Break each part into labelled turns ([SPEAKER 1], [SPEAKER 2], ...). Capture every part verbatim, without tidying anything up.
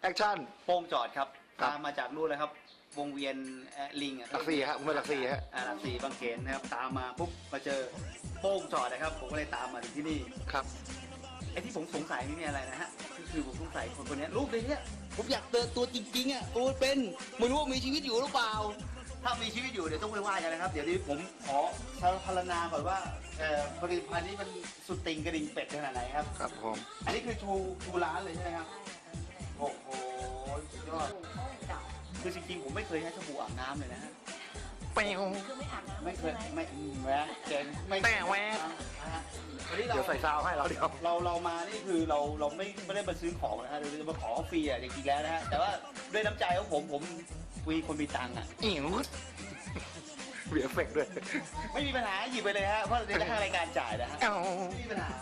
[SPEAKER 1] แอคชั่น
[SPEAKER 2] โป้งจอดครับ
[SPEAKER 1] ครับ
[SPEAKER 2] ตามมาจากนู่นเลยครับวงเวียนเอ่อลิงอะ
[SPEAKER 1] หลักสี่ฮะผมเป็นหลักสี่ฮะ
[SPEAKER 2] อ่าหลักสี่บางเขนนะครับตามมาปุ๊บมาเจอโป้งจอดนะครับผมก็เลยตามมาถึงที่นี่
[SPEAKER 1] ครับ
[SPEAKER 2] ไอ้ที่ผมสงสัยนี่มีอะไรนะฮะคือคือผมสงสัยคนคนนี้รูปในเนี้ยผมอยากเจอตัวจริงๆอ่ะตัวเป็นไม่รู้ว่ามีชีวิตอยู่หรือเปล่า ถ้ามีชีวิตอยู่เดี๋ยวต้องไปว่ากันนะครับ เดี๋ยวนี้ผมขอพรรณนาก่อนว่าเอ่อผลิตภัณฑ์นี้มันสุดติงกระดิ่งเป็ดขนาดไหนครับ
[SPEAKER 1] ครับผม
[SPEAKER 2] อันนี้คือชูชูร้านเลยใช่ไหมครับโอ้โหสุดยอดคือจริงๆผมไม่เคยใช้สบู่อาบน้ำเลยนะฮะ
[SPEAKER 1] เปว
[SPEAKER 3] คือไม่อาบน้ำ
[SPEAKER 2] ไม่เคย
[SPEAKER 3] ใช่ห
[SPEAKER 2] ไม่อืมแหวะเจนไม่
[SPEAKER 1] แต่แหวะ
[SPEAKER 2] อ่าฮะวันนี้เรา
[SPEAKER 1] เดี๋ยวใส่ซาวให้เราเดี๋ยว
[SPEAKER 2] เราเรามานี่คือเราเราไม่ไม่ได้มาซื้อของนะฮะเราจะมาขอฟรีอ่ะจริงๆแล้วนะฮะแต่ว่าด้วยน้ำใจของผมผมวีคนมีตังค์อ่ะ
[SPEAKER 1] อิ๋วมีเอฟเฟกต์ด้วย
[SPEAKER 2] ไม่มีปัญหาหยิบไปเลยฮะเพราะเดี๋ยวทางรายการจ่ายนะฮะ
[SPEAKER 1] เอ้า
[SPEAKER 2] ไม่มีปัญหา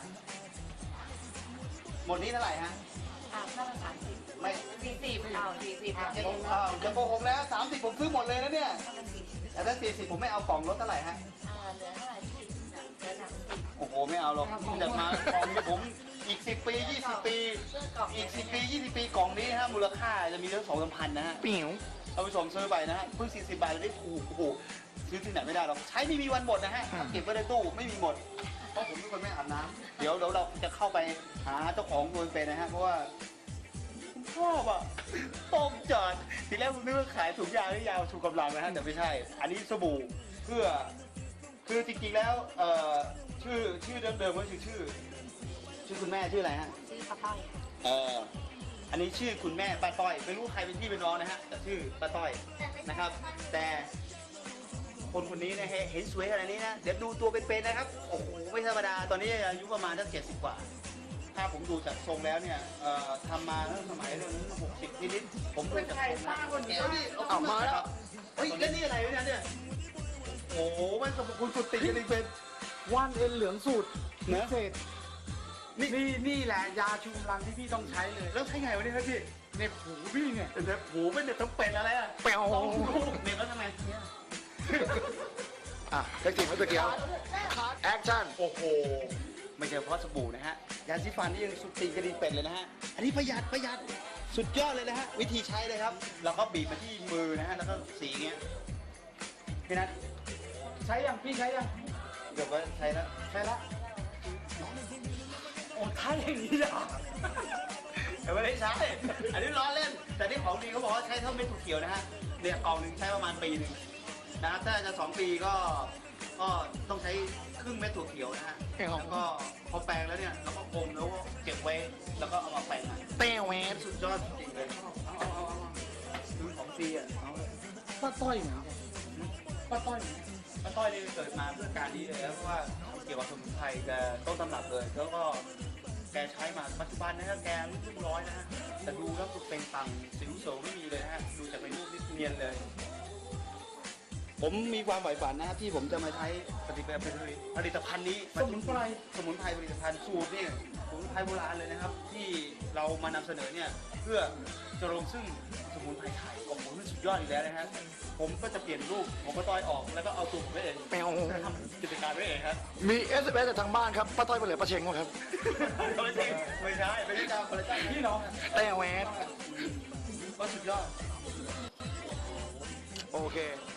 [SPEAKER 2] หมดนี้เท่าไหร่ฮะ
[SPEAKER 3] อาบน้ำมันสามสิบ
[SPEAKER 2] ไม่
[SPEAKER 3] สี่สิบเอาสี่สิบอาบ
[SPEAKER 2] จะ
[SPEAKER 3] เอง
[SPEAKER 2] อ้าวจะโกหกแล้วสามสิบผมซื้อหมดเลยนะเนี่ย
[SPEAKER 3] ประมาณสี่สิบ
[SPEAKER 2] แต่ถ้าสี่สิบผมไม่เอากล่องลดเท่าไหร่ฮะ
[SPEAKER 3] อ่าเหลือเท่าไหร่สี่สิบเหลือสามสิบ
[SPEAKER 2] โอ้โหไม่เอาหรอกจากมากล่องนี้ผมอีกสิบปียี่สิบปี
[SPEAKER 3] เสื้อกล่อง
[SPEAKER 2] อีกสิบปียี่สิบปีกล่องนี้ฮะมูลค่าจะมีตั้งสองสามพันนะฮะ
[SPEAKER 1] ปิ๋ว
[SPEAKER 2] เอาไปส่งซื้อไปนะฮะเพิ่งสี่สิบบาทเลยได้ถูกโอ้โหซื้อที่ไหนไม่ได้หรอกใช้ไม่มีวันหมดนะฮะเก็บไว้ในตู้ไม่มีหมดเพราะผมเป็นคนไม่อาบน้ำเดี๋ยวเดี๋ยวเราจะเข้าไปหาเจ้าของตัวเป็นนะฮะเพราะว่าผมชอบอ่ะต้มจอดทีแรกผมนึกว่าขายถุงยางหรือยาวชูกำลังนะฮะแต่ไม่ใช่ อันนี้สบู่เพื่อคือจริงๆแล้วเอ่อชื่อชื่อเดิมๆก็คือชื่อ ชื่อคุณแม่ชื่ออะไรฮะ
[SPEAKER 3] ซื้อข้าวต้อยค่ะ
[SPEAKER 2] เอออันนี้ชื่อคุณแม่ป้าต้อยไม่รู้ใครเป็นพี่เป็นน้องนะฮะแต่ชื่อป้าต้อยนะครับ แต่คนคนนี้นะฮะเห็นสวยขนาดนี้นะเดี๋ยวดูตัวเป็นๆนะครับโอ้โหไม่ธรรมดาตอนนี้อายุประมาณสักเจ็ดสิบกว่า ถ้าผมดูจากทรงแล้วเนี่ยเอ่อทำมาตั้งสมัยเรื่องหกสิบนิดๆผมดูจากทรงแล้วเดี๋ยวนี่เอามาแล้วเฮ้ยแล้วนี่อะไรวะเนี่ยโอ้โหมันสมบูรณ์สุดติดกันเลยเป็น
[SPEAKER 4] ว่านเอ็นเหลืองสูตร
[SPEAKER 2] เน
[SPEAKER 4] พิ
[SPEAKER 2] อะ
[SPEAKER 4] เศษ
[SPEAKER 2] นี่
[SPEAKER 4] นี่นี่แหละยาชูกำลังที่พี่ต้องใช้เลย
[SPEAKER 2] แล้วใช้ไงวะเนี่ยครับพี่
[SPEAKER 4] ในหูพี่เนี่ย
[SPEAKER 2] เดี๋ยวหูเป็นเด็กต้องเป็นอะไรอ่ะ
[SPEAKER 1] เปว
[SPEAKER 2] ต้องลูกเด็กแล้วทำไมเนี่ย
[SPEAKER 1] อ่ะแท็กซี่มาตะเกียวแอคชั่น
[SPEAKER 2] โอ้โห ไม่ใช่เพราะสบู่นะฮะ ยาสีฟันนี่ยังสุดตีนกระดิ่งเป็ดเลยนะฮะ อันนี้ประหยัดประหยัด สุดยอดเลยนะฮะ วิธีใช้เลยครับ เราก็บีบมาที่มือนะฮะ แล้วก็สีเงี้ย พี่นัท
[SPEAKER 4] ใช้ยังพี่ใช้ยัง
[SPEAKER 2] เดี๋ยวก็ใช้แล้ว
[SPEAKER 4] ใช้ละโอ้ท้ายอย่างนี้เหรอ
[SPEAKER 2] แต่ไม่ได้ใช้ อันนี้ล้อเล่น แต่ที่ของดีเขาบอกว่าใช้เท่าเม็ดถั่วเขียวนะฮะ เนี่ยกล่องหนึ่งใช้ประมาณปีหนึ่งนะครับ ถ้าจะสองปีก็ ก็ต้องใช้ครึ่งเม็ดถั่วเขียวนะฮะ แล้วก็พอแปรงแล้วเนี่ยเราก็อมแล้วก็เก็บไว้ แล้วก็เอามาแปรงใหม่
[SPEAKER 1] เปวแหว
[SPEAKER 2] สุดยอดจริงๆเลย เอาเอาเอาเอาดูของฟรีอ่ะ เอาเลย
[SPEAKER 4] ป้าต้อยเหมือนกันป้าต้อยเหมือนกัน
[SPEAKER 2] ป้าต้อยนี่เกิดมาเพื่อการนี้เลยนะเพราะว่าเกี่ยวกับสมุนไพรแกต้นตำรับเลย แล้วก็แกใช้มาปัจจุบันนะฮะแกอายุเพิ่งร้อยนะฮะ แต่ดูแล้วคือเป็นตังสิวโสไม่มีเลยนะฮะ ดูจากในรูปนี่เนียนเลย ผมมีความใฝ่ฝันนะครับที่ผมจะมาใช้ผลิตภัณฑ์ผลิตภัณฑ์นี้
[SPEAKER 4] สมุนไพร
[SPEAKER 2] สมุนไพรผลิตภัณฑ์สูตรนี่สมุนไพรโบราณเลยนะครับ ที่เรามานำเสนอเนี่ยเพื่อจะลงซึ่งสมุนไพรไทยโอ้โหนี่สุดยอดอีกแล้วนะฮะผมก็จะเปลี่ยนรูปผมก็ต้อยออกแล้วก็เอาตัวผมไว้เอง
[SPEAKER 1] เปว
[SPEAKER 2] ทำกิจการไว้เองครับ
[SPEAKER 1] มีเอสเอสจากทางบ้านครับป้าต้อยไปเหลือป้าเชงวะครับ
[SPEAKER 2] ไม่ใช่ไม่ใช่ไม่ได้จ้างคนละจ้าง
[SPEAKER 4] พี่น้องอะ
[SPEAKER 1] แต่แหว
[SPEAKER 2] ก็สุดยอด
[SPEAKER 1] โอเค